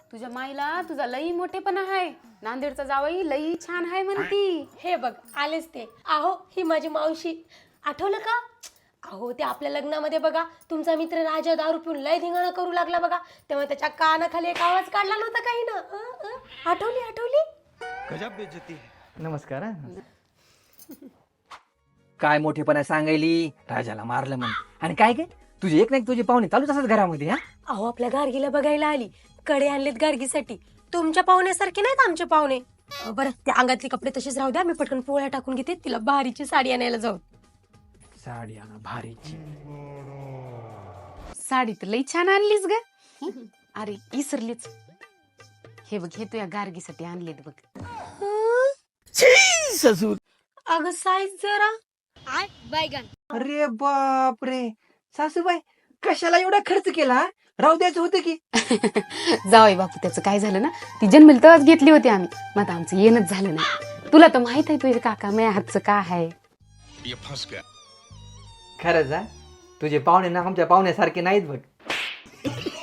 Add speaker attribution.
Speaker 1: तुझ्या माईला तुझा लई मोठेपणा आहे. नांदेडचा जावई लई छान आहे म्हणती.
Speaker 2: हे बघ आलेच ते. अहो ही माझी मावशी. आठवलं का? अहो ते आपल्या लग्नामध्ये बघा तुमचा मित्र राजा दारू पिऊन लय धिंगाणा करू लागला बघा, तेव्हा त्याच्या कानाखाली एक आवाज काढला नव्हता काही ना. आठवली?
Speaker 3: गजब बेइज्जती है.
Speaker 4: नमस्कार काय मोठेपणा सांगायली राजाला मारलं म्हण. आणि काय काय तुझे एक ना एक तुझे पाहुणे चालूच असतात घरामध्ये. हा
Speaker 2: अहो आपल्या गार्गीला बघायला आली. कडे आणलेत गार्गीसाठी. तुमच्या पाहुण्यासारखे नाहीत आमचे पाहुणे. बरं त्या अंगातले कपडे तसेच राहू द्या, मी पटकन पोळ्या टाकून घेते, तिला भारीची साडी आणायला जाऊ.
Speaker 4: साडी आणा भारीची.
Speaker 1: साडी तर लई छान आणलीस ग. अरे विसरलीच. हे बघ, हे तुझ्या गार्गीसाठी आणलेत बघ.
Speaker 4: ससूर.
Speaker 2: अगं साईज जरा.
Speaker 4: अरे बाप रे सासूबाई, कशाला एवढा खर्च केला? राहू द्यायचं होतं की.
Speaker 1: जावई बापू त्याचं काय झालं ना, ती जन्मली तेव्हाच घेतली होती आम्ही. मग आता आमचं येणंच झालं नाही. तुला तर माहित आहे तुझे काका माझ्या हातचं काय आहे.
Speaker 3: ये फंस गया.
Speaker 4: खरंच तुझे पाहुणे ना आमच्या पाहुण्यासारखे नाहीत बघ.